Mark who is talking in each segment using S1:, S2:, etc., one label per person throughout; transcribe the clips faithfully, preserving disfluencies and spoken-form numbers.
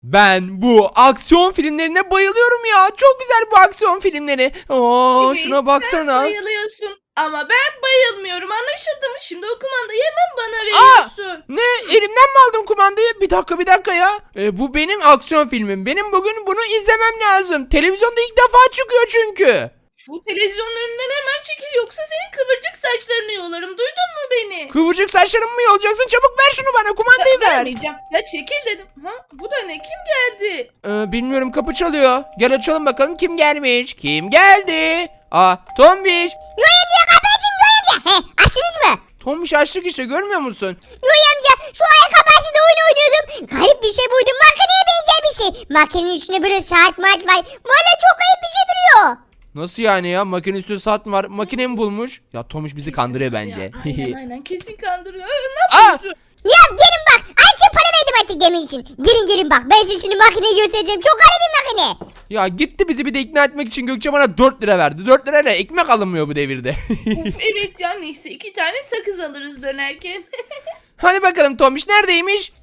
S1: Ben bu aksiyon filmlerine bayılıyorum ya. Çok güzel bu aksiyon filmleri. Oo,
S2: Evet,
S1: şuna
S2: sen
S1: baksana.
S2: bayılıyorsun. Ama ben bayılmıyorum. Anlaşıldı mı? Şimdi o kumandayı hemen bana
S1: Aa!
S2: veriyorsun.
S1: Ne? Elimden mi aldın kumandayı? Bir dakika bir dakika ya. E, bu benim aksiyon filmim. Benim bugün bunu izlemem lazım. Televizyonda ilk defa çıkıyor çünkü.
S2: Şu televizyonun önünden hemen çekil yoksa senin kıvırcık saçlarını yolarım. Duydun mu beni?
S1: Kıvırcık saçlarımı mı yolacaksın? Çabuk ver şunu bana. Kumandayı
S2: Ya,
S1: ver.
S2: vermeyeceğim. Ya çekil dedim. Ha? Bu da ne? Kim geldi?
S1: Ee, bilmiyorum, kapı çalıyor. Gel açalım bakalım kim gelmiş. Kim geldi? Aa, Tombiş.
S3: Yoy amca kapı açın Yoy amca. He açtınız mı?
S1: Tombiş açtık işte, görmüyor musun?
S3: Yoy amca şu ayakkabı açtığında oyun oynuyordum. Garip bir şey buydum. Makineye benzer bir şey. Makinenin üstünde böyle saat maat var. Valla çok garip bir şey duruyor.
S1: Nasıl yani ya? Makine üstü saat mi var? Makine mi bulmuş? Ya Tomuş bizi kandırıyor bence.
S2: Ya, aynen aynen kesin kandırıyor. Ee, ne
S1: Aa!
S2: yapıyorsun?
S3: Ya gelin bak. Ayça para verdim artık gemi için. Gelin gelin bak. Ben size şimdi makineyi göstereceğim. Çok garip bir makine.
S1: Ya gitti bizi bir de ikna etmek için Gökçe bana dört lira verdi. dört lirayla ekmek alınmıyor bu devirde.
S2: Of, evet ya neyse iki tane sakız alırız dönerken.
S1: Hadi bakalım Tomuş neredeymiş?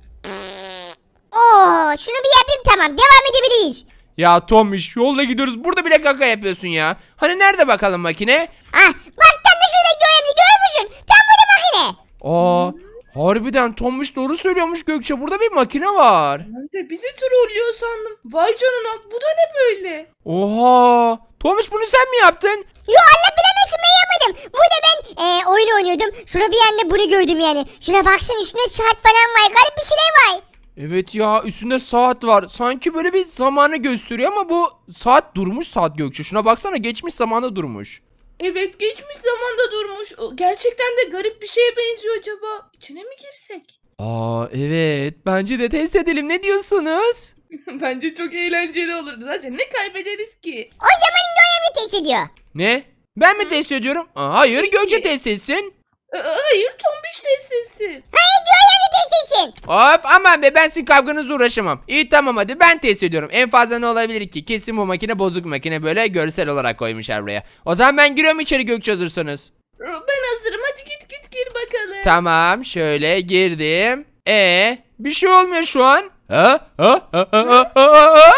S3: Oo, şunu bir yapayım tamam. Devam edebiliriz.
S1: Ya Tomuş yolda gidiyoruz, burada bile kaka yapıyorsun ya. Hani nerede bakalım makine?
S3: Ah bak tam da şurada Yoy amca görüyor musun? Tam burada makine.
S1: Aa, harbiden Tomuş doğru söylüyormuş Gökçe, burada bir makine var.
S2: Ben de bizi trollüyor sandım. Vay canına bu da ne böyle?
S1: Oha! Tomuş bunu sen mi yaptın?
S3: Yo Allah bilemesin ben yapmadım. Burada ben e, oyun oynuyordum. Şurada bir anda bunu gördüm yani. Şuna baksana üstünde saat falan var. Garip bir şeyler var.
S1: Evet ya, üstünde saat var. Sanki böyle bir zamanı gösteriyor ama bu saat durmuş saat Gökçe. Şuna baksana, geçmiş zamanda durmuş.
S2: Evet geçmiş zamanda durmuş. O, gerçekten de garip bir şeye benziyor acaba. İçine mi girsek?
S1: Aa evet, bence de test edelim, ne diyorsunuz?
S2: Bence çok eğlenceli olur. Zaten ne kaybederiz ki?
S3: O zaman Yoy amca test ediyor.
S1: Ne? Ben mi test ediyorum? Aa, hayır, Gökçe test etsin.
S2: Ee, hayır tombiş testisi.
S3: Hayır Yoy amca test etsin.
S1: Hop, aman be, ben sizin kavganızla uğraşamam. İyi tamam, hadi ben test ediyorum. En fazla ne olabilir ki? Kesin bu makine bozuk makine, böyle görsel olarak koymuşlar buraya. O zaman ben giriyorum içeri Gökçe, hazırsanız.
S2: Ee, Ben hazırım. Hadi git git gir bakalım.
S1: Tamam, şöyle girdim. E bir şey olmuyor şu an. Ha? Ha? Ha? Ha? Ha? Ha? Ha?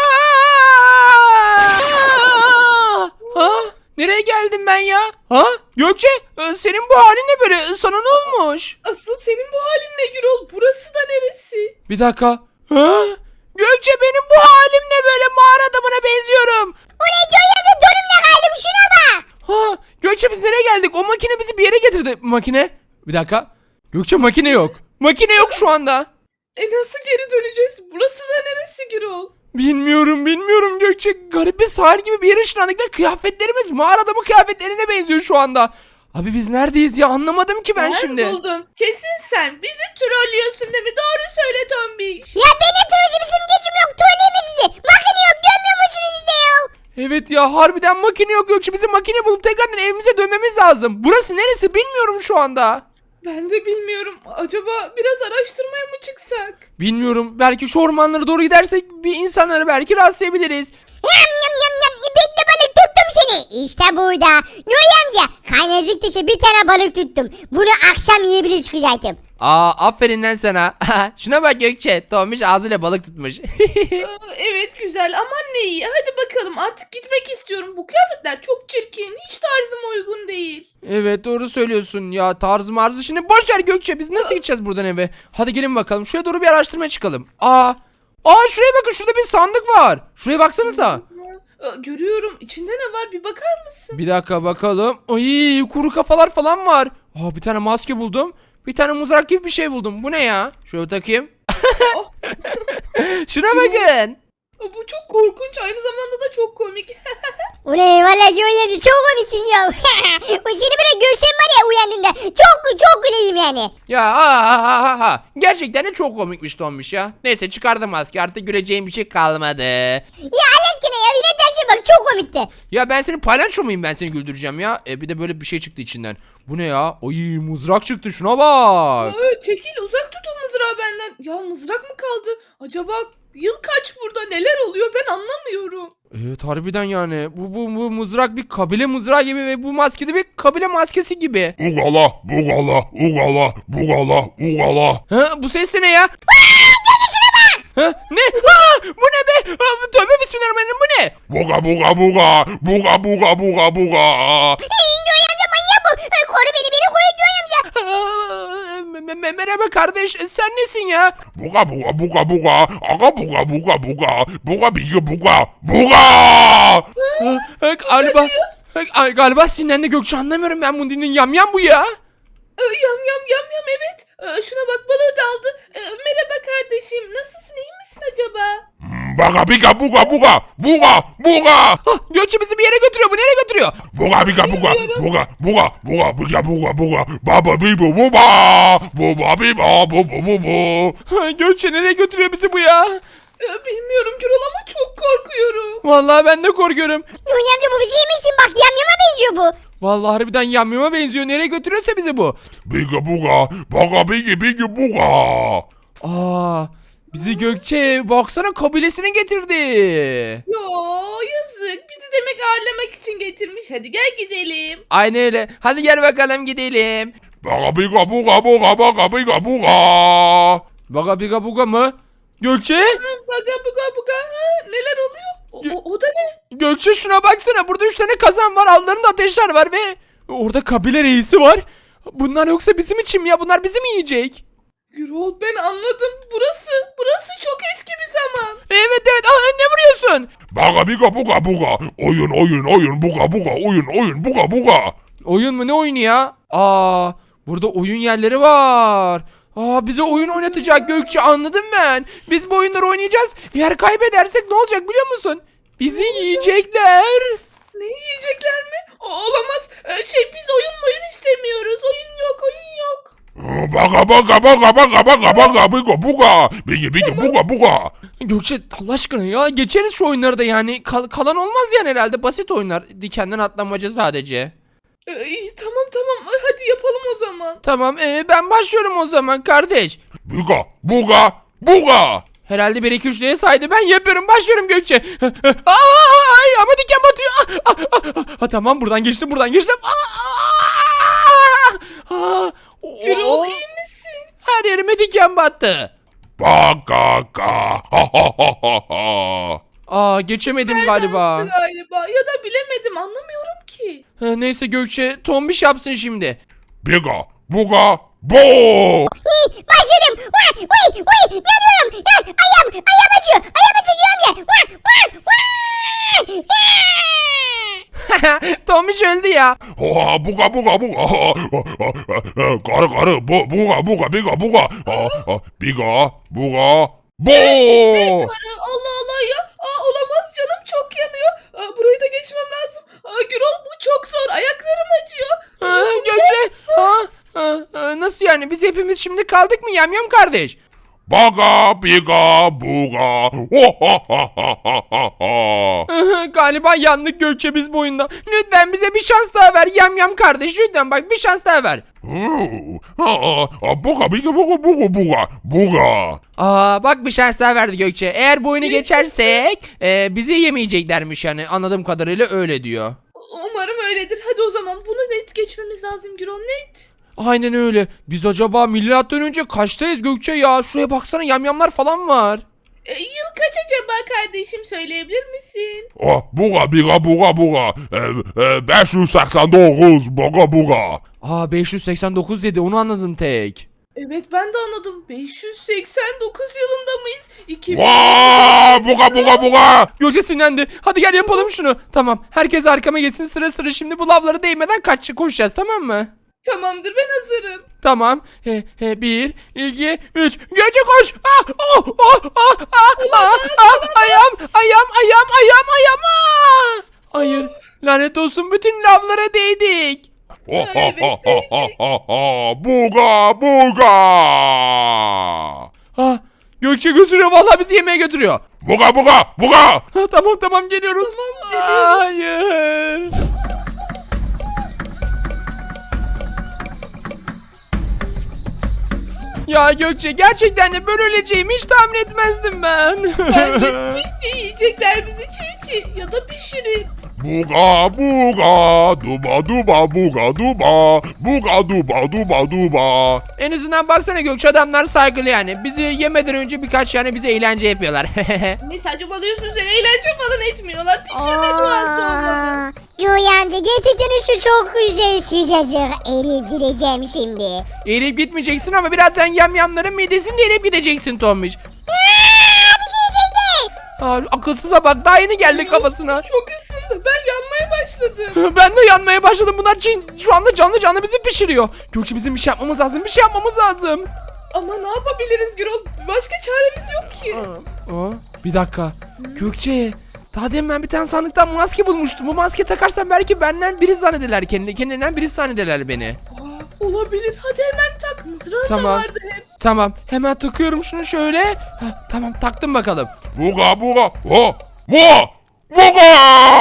S1: Ha? Nereye geldim ben ya? Ha? Gökçe, e, senin bu halin ne böyle? Sana ne olmuş?
S2: Asıl senin bu halin ne Gürol? Burası da neresi?
S1: Bir dakika. Ha? Gökçe, benim bu halim ne böyle? Mağara adamına benziyorum.
S3: O ne Yoy amca donumla kaldım şuna bak.
S1: Ha? Gökçe, biz nereye geldik? O makine bizi bir yere getirdi. Makine? Bir dakika. Gökçe, makine yok. Makine yok şu anda.
S2: E nasıl geri döneceğiz? Burası da neresi Gürol?
S1: Bilmiyorum bilmiyorum Gökçe. Garip bir sahil gibi bir yere ışınlandık ve kıyafetlerimiz mağara adamı kıyafetlerine benziyor şu anda. Abi biz neredeyiz ya, anlamadım ki ben şimdi.
S2: buldum. Kesin sen bizi trollüyorsun değil mi? Doğru söyle tombiş.
S3: Ya benim trollü bizim gücüm yok. Trolleyemez sizi. Makine yok görmüyor musunuz işte ya?
S1: Evet ya, harbiden makine yok Gökçe. Bizim makine bulup tekrardan evimize dönmemiz lazım. Burası neresi bilmiyorum şu anda.
S2: Ben de bilmiyorum. Acaba biraz araştırmaya mı çıksak?
S1: Bilmiyorum, belki şu ormanlara doğru gidersek bir insanları belki rastlayabiliriz.
S3: Yam yam yam yam. İpekli balık tuttum seni. İşte burada. Yoy amca kaynacık dışı bir tane balık tuttum. Bunu akşam yiyebilir çıkacaktım.
S1: Aa, aferin lan sana. Şuna bak Gökçe, Tomiş ağzıyla balık tutmuş.
S2: Ee, evet güzel aman ne iyi. Hadi bakalım artık gitmek istiyorum. Bu kıyafetler çok çirkin. Hiç tarzıma uygun değil.
S1: Evet, doğru söylüyorsun ya, tarzı marzı. Şimdi boş ver Gökçe, biz nasıl gideceğiz buradan eve? Hadi gelin bakalım, şuraya doğru bir araştırmaya çıkalım. Aa, aa şuraya bakın, şurada bir sandık var. Şuraya baksanıza.
S2: Ee, görüyorum. İçinde ne var bir bakar mısın?
S1: Bir dakika bakalım. Ay, kuru kafalar falan var. Aa, bir tane maske buldum. Bir tane mızrak gibi bir şey buldum. Bu ne ya? Şöyle takayım.
S2: Oh.
S1: Şuna bakın.
S2: Bu çok korkunç. Aynı zamanda da çok komik.
S3: Ulan valla Yoy amca çok komiksin ya. O seni böyle görsem var ya uyandığında. Çok çok güleyim yani.
S1: Ya ha ha ha ha ha. Gerçekten de çok komikmiş Tombiş ya. Neyse, çıkardım maske, artık güleceğim bir şey kalmadı.
S3: Ya Allah aşkına ya yine dersin bak çok komikti.
S1: Ya ben senin palyaço muyum, ben seni güldüreceğim ya. E bir de böyle bir şey çıktı içinden. Bu ne ya? Ay, mızrak çıktı, şuna bak.
S2: Ee, çekil uzak tut o mızrağı benden. Ya mızrak mı kaldı? Acaba yıl kaç burada neler oluyor ben anlamıyorum.
S1: Evet harbiden yani. Bu, bu, bu mızrak bir kabile mızrağı gibi ve bu maske de bir kabile maskesi gibi.
S4: Ugala, bugala, ugala, bugala, ugala.
S1: Ha, bu ses de ne ya? Ha, Ha? Ne? Aa, bu ne be? Aa, tövbe bismillahirrahmanirrahim, bu ne?
S4: Buga buga buga. Buga buga buga buga.
S3: Hey, Noy amca manyak bu. Ay, koru beni beni koru Noy amca.
S1: Aa, me- me- merhaba kardeş, sen nesin ya?
S4: Buga buga buga buga. Aga buga buga buga. Buga bigi buga. Buga.
S1: Aa, aa, galiba, aa, galiba sinirlendi Gökçe, anlamıyorum ben bunu dinleyin. Yam yam bu ya.
S2: Ee, Yam yam yam yam evet. Ee, Şuna bak balığı da aldı. Ee, Merhaba kardeşim. Nasılsın iyi misin acaba?
S4: Baga biga buga buga. Buga buga.
S1: Ah, Gökçe bizi bir yere götürüyor, bu nereye götürüyor?
S4: Buga biga buga. Buga buga buga biga buga buga. Baba bibu buba. Buba biba bubu bubu.
S1: Ha, Gökçe nereye götürüyor bizi bu ya?
S2: Ee, Bilmiyorum Gürol ama çok korkuyorum.
S1: Vallahi ben de korkuyorum.
S3: Noy amca bu bizi yemişsin bak yamyama benziyor bu.
S1: Vallahi harbiden yamyama benziyor. Nereye götürüyorsa bizi bu.
S4: Biga buga. Baga bigi bigi buga.
S1: Aa, bizi Gökçe baksana kabilesine getirdi.
S2: Ya yazık. Bizi demek ağırlamak için getirmiş. Hadi gel gidelim.
S1: Aynen öyle. Hadi gel bakalım gidelim.
S4: Baga biga buga buga. Baga biga buga.
S1: Baga biga buga mı? Gökçe?
S2: Ha, Baga buga buga. Ha, neler oluyor? O, o, o da ne?
S1: Gökçe şuna baksana. Burada üç tane kazan var. Altlarında ateşler var ve orada kabile reisi var. Bunlar yoksa bizim için mi ya? Bunlar bizi mi yiyecek?
S2: Gürol ben anladım. Burası, burası çok eski bir zaman.
S1: Evet evet. Aa, ne vuruyorsun?
S4: Baga biga buga buga. Oyun oyun oyun buga buga. Oyun oyun buga buga.
S1: Oyun mu, ne oyunu ya? Aa, burada oyun yerleri var. Aa, bize oyun oynatacak Gökçe, anladım ben. Biz bu oyunları oynayacağız. Eğer kaybedersek ne olacak biliyor musun? Bizi yiyecekler.
S2: Ne yiyecekler mi? O, olamaz. Ee, şey biz oyun oyun istemiyoruz. Oyun yok, oyun yok.
S4: Baga baga baga baga baga baga biga buga. Bigi bigi buga buga.
S1: Gökçe Allah aşkına ya, geçeriz şu oyunları da yani. Kal- kalan olmaz yani herhalde, basit oyunlar. Dikenden atlamaca sadece.
S2: Ee, iyi, tamam tamam. Ay, hadi yapalım o zaman.
S1: Tamam, ee, ben başlıyorum o zaman kardeş.
S4: Biga buga buga.
S1: Herhalde bir iki üç diye saydı, ben yapıyorum, başlıyorum Gökçe. Aa, ay, ama diken batıyor. Aa, aa, aa, aa, tamam, buradan geçtim buradan geçtim. Aa, aa, aa,
S2: Gürol
S1: oo,
S2: iyi misin?
S1: her yerime diken battı.
S4: Baga ga. Ha ha ha ha ha.
S1: Aa, geçemedim galiba.
S2: Dansı galiba. Ya da bilemedim anlamıyorum ki.
S1: Ha, neyse Gökçe, tombiş yapsın şimdi.
S4: Biga buga bu.
S3: Hey, başladım. Vay vay vay yanıyorum. Ya, ayağım ayağım acıyor. Ayağım acıyor Noy amca. Vay vay vay.
S1: Tombiş öldü ya.
S4: Ha buga buga buga. Karı karı bu buga buga biga buga. Ha, ha, biga buga bu.
S2: Karı, Allah Allah ya. Aa, olamaz canım çok yanıyor. Aa, burayı da geçmem lazım. Aa, Gürol bu çok zor. Ayaklarım acıyor.
S1: Ha, Gökçe. Ha, ha, ha, nasıl yani, biz hepimiz şimdi kaldık mı yamyam kardeş?
S4: Baga biga buga. Oh, ha ha ha ha ha ha.
S1: Galiba yandık Gökçe biz bu oyunda. Lütfen bize bir şans daha ver yamyam kardeş, lütfen bak bir şans daha ver.
S4: Buga biga buga buga buga buga.
S1: Aa, bak bir şans daha verdi Gökçe. Eğer bu oyunu geçersek e, bizi yemeyeceklermiş yani, anladığım kadarıyla öyle diyor.
S2: Umarım öyledir. Hadi o zaman bunu net geçmemiz lazım Gürol, net.
S1: Aynen öyle. Biz acaba milattan önce kaçtayız Gökçe ya? Şuraya baksana, yamyamlar falan var.
S2: E, yıl kaç acaba kardeşim, söyleyebilir misin?
S4: Oh, buga biga buga buga. beş yüz seksen dokuz buga buga.
S1: Aa, beş yüz seksen dokuz dedi, onu anladım tek.
S2: Evet ben de anladım. beş yüz seksen dokuz yılında mıyız? iki bin...
S4: Vaa, buga buga buga.
S1: Gökçe sinirlendi. Hadi gel yapalım şunu. Tamam, herkes arkama geçsin, sıra sıra şimdi bu lavlara değmeden kaç koşacağız, tamam mı?
S2: Tamamdır ben hazırım.
S1: Tamam. He, he, bir, iki, üç. Gökçe koş. Ah, oh, oh, ah, ah, ah, ah, ayağım, ayağım, ayağım, ayağım, ayağım. Ah! Hayır. Lanet olsun, bütün lavlara değdik.
S4: Oh, ha ha ha ha ha ha. Buga buga.
S1: Ah, Gökçe götürüyor, vallahi bizi yemeğe götürüyor.
S4: Buga buga buga.
S1: Ah, tamam tamam geliyoruz.
S2: Tamam, geliyoruz.
S1: Hayır. Ya Gökçe, gerçekten de böyle öleceğimi hiç tahmin etmezdim ben.
S2: Bence çiğ çiğ yiyecekler bizi, çiğ çiğ ya da pişirip.
S4: Buga buga duba duba buga duba buga duba duba duba.
S1: En azından baksana Gökçe, adamlar saygılı yani. Bizi yemeden önce birkaç yani bize eğlence yapıyorlar.
S2: Ne saçmalıyorsun sen, eğlence falan etmiyorlar. Pişirme duası olmadı.
S3: Yoy amca gerçekten şu çok güzel sıcacık. Eriyip gideceğim şimdi.
S1: Eğilip gitmeyeceksin ama birazdan yamyamların midesinde eğilip gideceksin Tombiş. Aa, akılsıza bak, daha yeni geldi kafasına.
S2: Çok ısındı, ben yanmaya başladım.
S1: Ben de yanmaya başladım. Bunlar cin, şu anda canlı canlı bizi pişiriyor. Gökçe, bizim bir şey yapmamız lazım. Bir şey yapmamız lazım.
S2: Ama ne yapabiliriz Gürol? Başka çaremiz yok ki.
S1: Aa, bir dakika. Gökçe, daha demin ben bir tane sandıktan maske bulmuştum. Bu maske takarsam belki benden biri zannederler kendini. Kendinden biri zannederler beni.
S2: Aa, olabilir. Hadi hemen tak. Mızrağın da
S1: Tamam.
S2: vardı hep.
S1: Tamam, hemen takıyorum şunu şöyle. Heh, tamam, taktım bakalım.
S4: Buga buga ho buga buga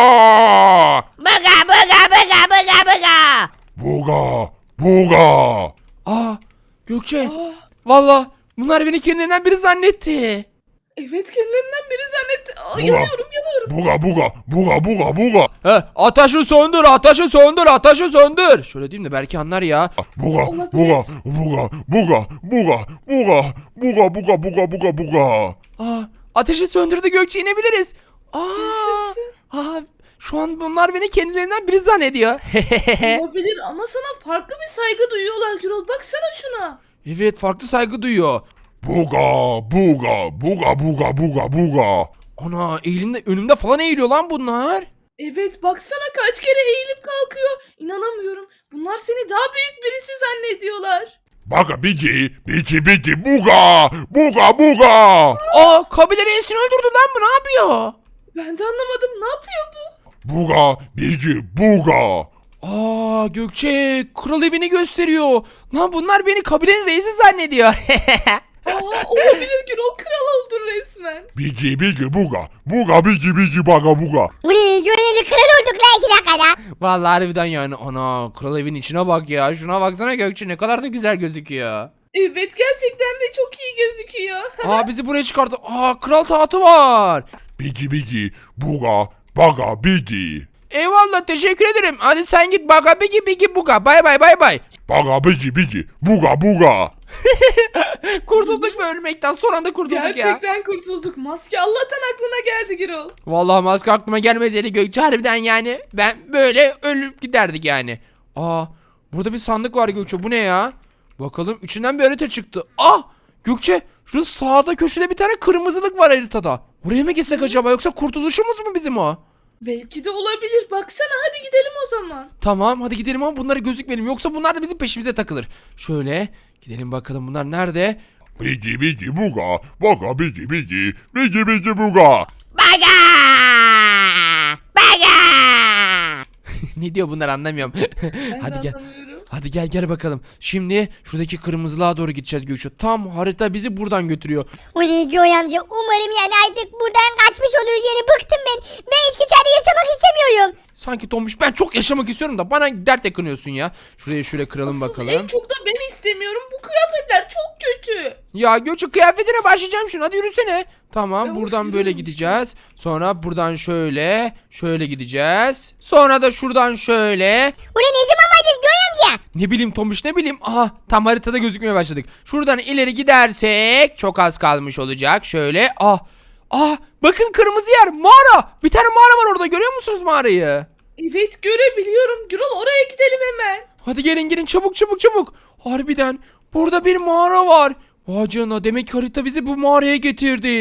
S3: Bıga bıga bıga bıga bıga.
S4: buga buga.
S1: Aa, Gökçe.
S2: Aa,
S1: Valla bunlar beni kendilerinden biri zannetti.
S2: evet, kendilerinden biri zannetti. Aa,
S4: Buga.
S2: yanıyorum yanıyorum.
S4: Buga buga buga buga buga.
S1: He, ateşi söndür, ateşi söndür, ateşi söndür. Şöyle diyeyim de belki anlar ya.
S4: Buga
S2: Olabilir.
S4: buga buga buga buga buga buga buga buga buga buga.
S1: Aa, ateşi söndürdü Gökçe, inebiliriz. Aa,
S2: Yaşasın.
S1: aa, şu an bunlar beni kendilerinden biri zannediyor.
S2: Olabilir ama sana farklı bir saygı duyuyorlar Gürol. Baksana şuna.
S1: Evet, farklı saygı duyuyor.
S4: Buga buga buga buga buga buga.
S1: Ana, eğilimde önümde falan eğiliyor lan bunlar.
S2: Evet, baksana kaç kere eğilip kalkıyor. İnanamıyorum. Bunlar seni daha büyük birisi zannediyorlar.
S4: Baga bigi bigi bigi buga buga buga.
S1: Aa, kabile reisini öldürdü lan, bu ne yapıyor?
S2: Ben de anlamadım. Ne yapıyor bu?
S4: Buga bigi buga.
S1: Aa, Gökçe, kral evini gösteriyor. Lan bunlar beni kabilenin reisi zannediyor.
S2: Aa, olabilir Gürol. Kral oldun resmen.
S4: Bigi bigi buga buga bigi bigi baga buga.
S3: Ulan Yoy amca kral olduk la iki dakikada.
S1: Vallahi harbiden yani, ana, kral evin içine bak ya. Şuna baksana Gökçe, ne kadar da güzel gözüküyor.
S2: Evet, gerçekten de çok iyi gözüküyor.
S1: Aa, bizi buraya çıkardı. Aa, kral tahtı var.
S4: Bigi bigi buga baga bigi.
S1: Eyvallah, teşekkür ederim. Hadi sen git, baga bigi bigi buga. Bay bay bay bay.
S4: Baga bigi bigi buga buga.
S1: Kurtulduk mu ölmekten? Son anda kurtulduk ya.
S2: Gerçekten kurtulduk. Maske Allah'tan aklına geldi Gürol.
S1: Vallahi maske aklıma gelmeseydi Gökçe, harbiden yani ben böyle ölüp giderdik yani. Aa, burada bir sandık var Gökçe, bu ne ya? Bakalım, içinden bir harita çıktı. Ah, Gökçe, şu sağda köşede bir tane kırmızılık var haritada. Oraya mı gitsek acaba, yoksa kurtuluşumuz mu bizim o?
S2: Belki de olabilir. Baksana, hadi gidelim o zaman.
S1: Tamam, hadi gidelim ama bunlara gözükmeyelim, yoksa bunlar da bizim peşimize takılır. Şöyle gidelim bakalım, bunlar nerede?
S4: Bigi bigi buga baga bigi bigi bigi bigi buga.
S3: Baga. Baga.
S1: Ne diyor bunlar, anlamıyorum.
S2: Ben
S1: Hadi
S2: de
S1: gel.
S2: anlamıyorum.
S1: Hadi gel gel bakalım. Şimdi şuradaki kırmızılığa doğru gideceğiz Gökçe. Tam harita bizi buradan götürüyor.
S3: Ulan Yoy amca umarım yani artık buradan kaçmış oluruz yani bıktım ben. Ben hiç içeride yaşamak istemiyorum.
S1: Sanki Tombiş, ben çok yaşamak istiyorum da bana dert yakınıyorsun ya. Şuraya şöyle kıralım
S2: Asıl
S1: bakalım.
S2: en çok da ben istemiyorum. Bu kıyafetler çok kötü.
S1: Ya Gökçe, kıyafetine başlayacağım şimdi, hadi yürüsene. Tamam,
S2: Ya
S1: buradan
S2: of,
S1: böyle
S2: yürüyorum
S1: gideceğiz. Sonra buradan şöyle şöyle gideceğiz. Sonra da şuradan şöyle.
S3: Ulan ne zaman varacağız Yoy amca?
S1: Ne bileyim Tombiş, ne bileyim. Aha, tam haritada gözükmeye başladık. Şuradan ileri gidersek çok az kalmış olacak. Şöyle ah ah, bakın kırmızı yer, mağara. Bir tane mağara var orada, görüyor musunuz mağarayı?
S2: Evet, görebiliyorum. Gürol, oraya gidelim hemen.
S1: Hadi gelin gelin, çabuk çabuk çabuk. Harbiden burada bir mağara var. Vay canına, demek ki harita bizi bu mağaraya getirdi.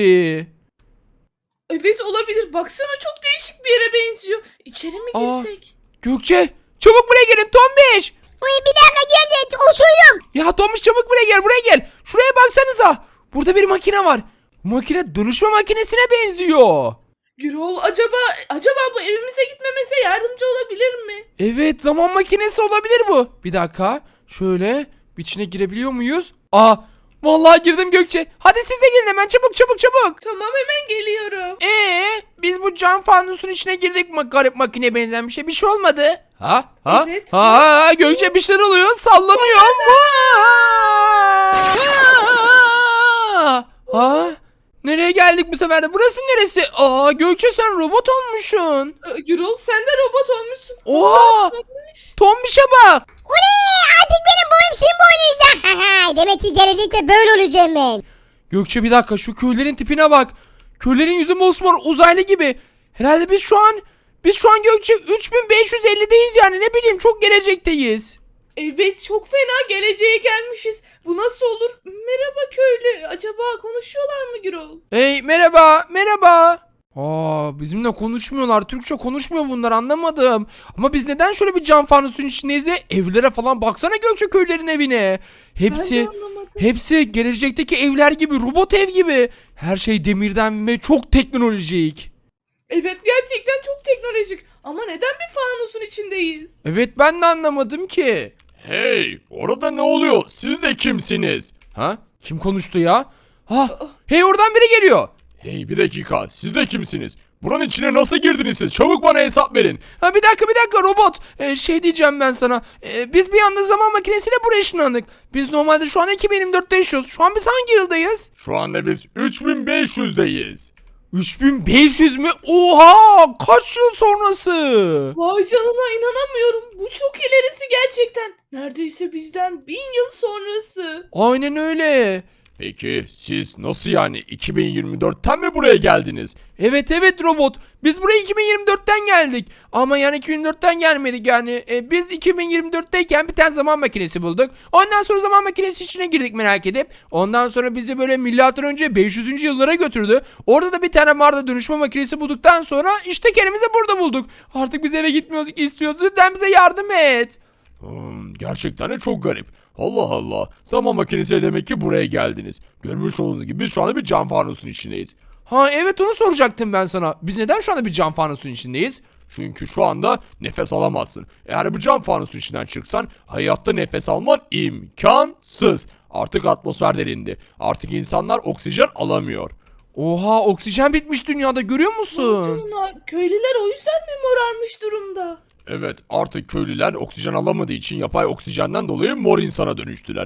S2: Evet, olabilir. Baksana, çok değişik bir yere benziyor. İçeri mi
S1: Aa.
S2: girsek?
S1: Gökçe, çabuk buraya gelin Tombiş.
S3: Ulan bir dakika Yoy amca osuyorum.
S1: Ya Tombiş, çabuk buraya gel, buraya gel. Şuraya baksanıza. Burada bir makine var. Bu makine dönüşme makinesine benziyor.
S2: Gürol, acaba acaba bu evimize gitmemize yardımcı olabilir mi?
S1: Evet, zaman makinesi olabilir bu. Bir dakika. Şöyle bir içine girebiliyor muyuz? Aa, vallahi girdim Gökçe. Hadi siz de gelin hemen, çabuk çabuk çabuk.
S2: Tamam, hemen geliyorum.
S1: Ee, biz bu cam fanusun içine girdik mi, garip makineye benzeyen bir şey. Bir şey olmadı. Ha? Ha?
S2: Evet.
S1: Ha, Gökçe, bir şeyler oluyor. Sallanıyor. Ha? Ha? Nereye geldik bu sefer de? Burası neresi? Aa Gökçe sen robot olmuşsun.
S2: Ee, Gürol sen de robot olmuşsun.
S1: Oha! Tombiş'e bak.
S3: Oley artık benim boyum şimdi boynuzda. Demek ki gelecekte böyle olacağım ben.
S1: Gökçe bir dakika şu köylerin tipine bak. Köylerin yüzü mosmor uzaylı gibi. Herhalde biz şu an biz şu an Gökçe üç bin beş yüz ellideyiz yani ne bileyim çok gelecekteyiz.
S2: Evet çok fena geleceğe gelmişiz. Bu nasıl olur? Merhaba köylü. Acaba konuşuyorlar mı Gürol?
S1: Hey merhaba merhaba. Aa bizimle konuşmuyorlar. Türkçe konuşmuyor bunlar anlamadım. Ama biz neden şöyle bir cam fanusun içindeyiz ya? Evlere falan baksana Gökçe köylerin evine.
S2: Ben
S1: Hepsi
S2: de anlamadım.
S1: hepsi gelecekteki evler gibi robot ev gibi. Her şey demirden ve çok teknolojik.
S2: Evet gerçekten çok teknolojik. Ama neden bir fanusun içindeyiz?
S1: Evet ben de anlamadım ki.
S4: Hey, orada ne oluyor? Siz de kimsiniz?
S1: Ha? Kim konuştu ya? Ha? Hey oradan biri geliyor.
S4: Hey bir dakika, siz de kimsiniz? Buranın içine nasıl girdiniz siz? Çabuk bana hesap verin.
S1: Ha bir dakika bir dakika robot. Ee, şey diyeceğim ben sana. Ee, biz bir anda zaman makinesiyle buraya ışınlandık. Biz normalde şu an iki bin yirmi dörtte yaşıyoruz. Şu an biz hangi yıldayız?
S4: Şu anda biz üç bin beş yüzdeyiz.
S1: üç bin beş yüz mü? Oha! Kaç yıl sonrası?
S2: Vay canına inanamıyorum. Bu çok ilerisi gerçekten. Neredeyse bizden bin yıl sonrası.
S1: Aynen öyle.
S4: Peki siz nasıl yani iki bin yirmi dörtten mi buraya geldiniz?
S1: Evet evet robot. Biz buraya iki bin yirmi dörtten geldik. Ama yani iki bin yirmi dörtten gelmedik yani. E, biz iki bin yirmi dörtteyken bir tane zaman makinesi bulduk. Ondan sonra zaman makinesi içine girdik merak edip. Ondan sonra bizi böyle milattan önce beş yüzüncü yıllara götürdü. Orada da bir tane mağarada dönüşme makinesi bulduktan sonra işte kendimizi burada bulduk. Artık biz eve gitmiyoruz istiyoruz. Lütfen bize yardım et.
S4: Hmm, gerçekten de çok garip. Allah Allah. Zaman makinesiyle demek ki buraya geldiniz. Görmüş olduğunuz gibi biz şu anda bir cam fanusun içindeyiz.
S1: Ha evet onu soracaktım ben sana. Biz neden şu anda bir cam fanusun içindeyiz?
S4: Çünkü şu anda nefes alamazsın. Eğer bu cam fanusun içinden çıksan hayatta nefes alman imkansız. Artık atmosfer derindi. Artık insanlar oksijen alamıyor.
S1: Oha oksijen bitmiş dünyada görüyor
S2: Vay
S1: musun?
S2: canına. Köylüler o yüzden mi morarmış durumda?
S4: Evet, artık köylüler oksijen alamadığı için yapay oksijenden dolayı mor insana dönüştüler.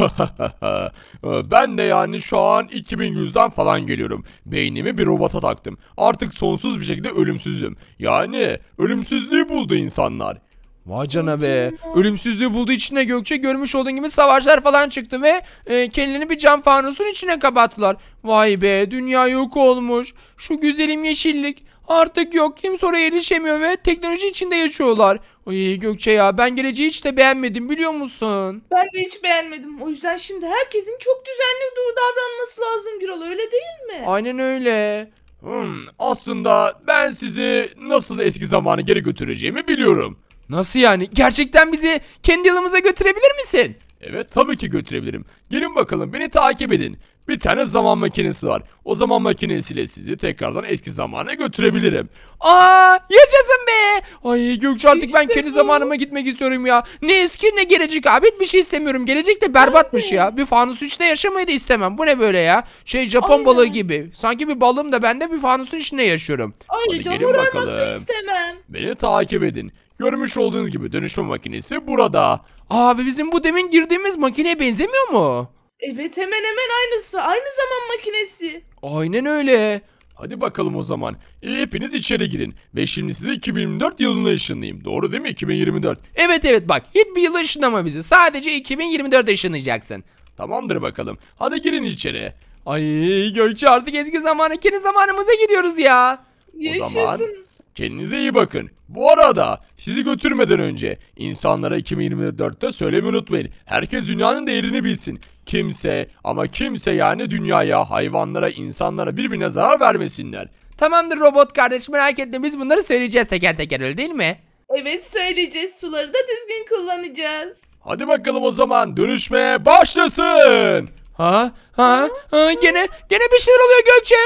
S4: Ben de yani şu an iki bin yüzden falan geliyorum. Beynimi bir robota taktım. Artık sonsuz bir şekilde ölümsüzüm. Yani ölümsüzlüğü buldu insanlar.
S1: Vay cana be.
S2: canına.
S1: Ölümsüzlüğü bulduğu için de Gökçe görmüş olduğun gibi savaşlar falan çıktı ve e, kendilerini bir cam fanusun içine kapattılar. Vay be dünya yok olmuş. Şu güzelim yeşillik artık yok. Kimse oraya erişemiyor ve teknoloji içinde yaşıyorlar. Ay Gökçe ya ben geleceği hiç de beğenmedim biliyor musun?
S2: Ben de hiç beğenmedim. O yüzden şimdi herkesin çok düzenli dur davranması lazım Gürol öyle değil mi?
S1: Aynen öyle.
S4: Hmm, aslında ben sizi nasıl eski zamanı geri götüreceğimi biliyorum.
S1: Nasıl yani? Gerçekten bizi kendi yılımıza götürebilir misin?
S4: Evet tabii ki götürebilirim. Gelin bakalım beni takip edin. Bir tane zaman makinesi var. O zaman makinesiyle sizi tekrardan eski zamana götürebilirim.
S1: Aa yaşasın be. Ay Gökçe artık ben
S2: İşte
S1: kendi
S2: bu.
S1: zamanıma gitmek istiyorum ya. Ne eski ne gelecek abi hiçbir şey istemiyorum. Gelecek de berbatmış ya. Bir fanusun içinde yaşamayı da istemem. Bu ne böyle ya? Şey Japon
S2: Aynen.
S1: balığı gibi. Sanki bir balığım da ben de bir fanusun içinde yaşıyorum.
S2: Ayrıca
S4: gelin
S2: morarmak da
S4: bakalım.
S2: istemem.
S4: Beni takip edin. Görmüş olduğunuz gibi dönüşme makinesi burada.
S1: Abi bizim bu demin girdiğimiz makineye benzemiyor mu?
S2: Evet hemen hemen aynısı. Aynı zaman makinesi.
S1: Aynen öyle.
S4: Hadi bakalım o zaman. E, hepiniz içeri girin. Ve şimdi sizi iki bin yirmi dört yılına ışınlayayım. Doğru değil mi? iki bin yirmi dört.
S1: Evet evet bak hiçbir yıla ışınlama bizi. Sadece iki bin yirmi dörde ışınlayacaksın.
S4: Tamamdır bakalım. Hadi girin içeri.
S1: Ay Gökçe artık eski zamana kendi zamanımıza gidiyoruz ya.
S4: O zaman
S2: Yaşasın.
S4: kendinize iyi bakın. Bu arada sizi götürmeden önce insanlara iki bin yirmi dörtte söylemeyi unutmayın. Herkes dünyanın değerini bilsin. Kimse ama kimse yani dünyaya, hayvanlara, insanlara birbirine zarar vermesinler.
S1: Tamamdır robot kardeş merak etme biz bunları söyleyeceğiz teker teker öyle değil mi?
S2: Evet söyleyeceğiz. Suları da düzgün kullanacağız.
S4: Hadi bakalım o zaman dönüşmeye başlasın.
S1: Ha? Ha? Ha? Gene gene bir şeyler oluyor Gökçe.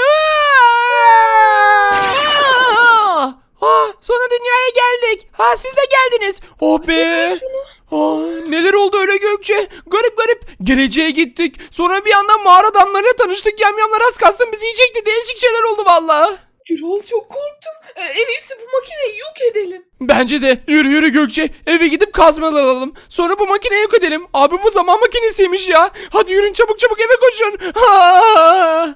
S1: Aa! Ha, sonra dünyaya geldik. Ha siz de geldiniz. Oh be. Aa, neler oldu öyle Gökçe? Garip garip. Geleceğe gittik. Sonra bir anda mağara adamlarıyla tanıştık. Yamyamlar az kalsın bizi yiyecekti. Değişik şeyler oldu valla.
S2: Gürol çok korktum. Ee, en iyisi bu makineyi yok edelim.
S1: Bence de yürü yürü Gökçe eve gidip kazmalar alalım. Sonra bu makineyi yok edelim. Abi bu zaman makinesiymiş ya. Hadi yürün çabuk çabuk eve koşun. Ha!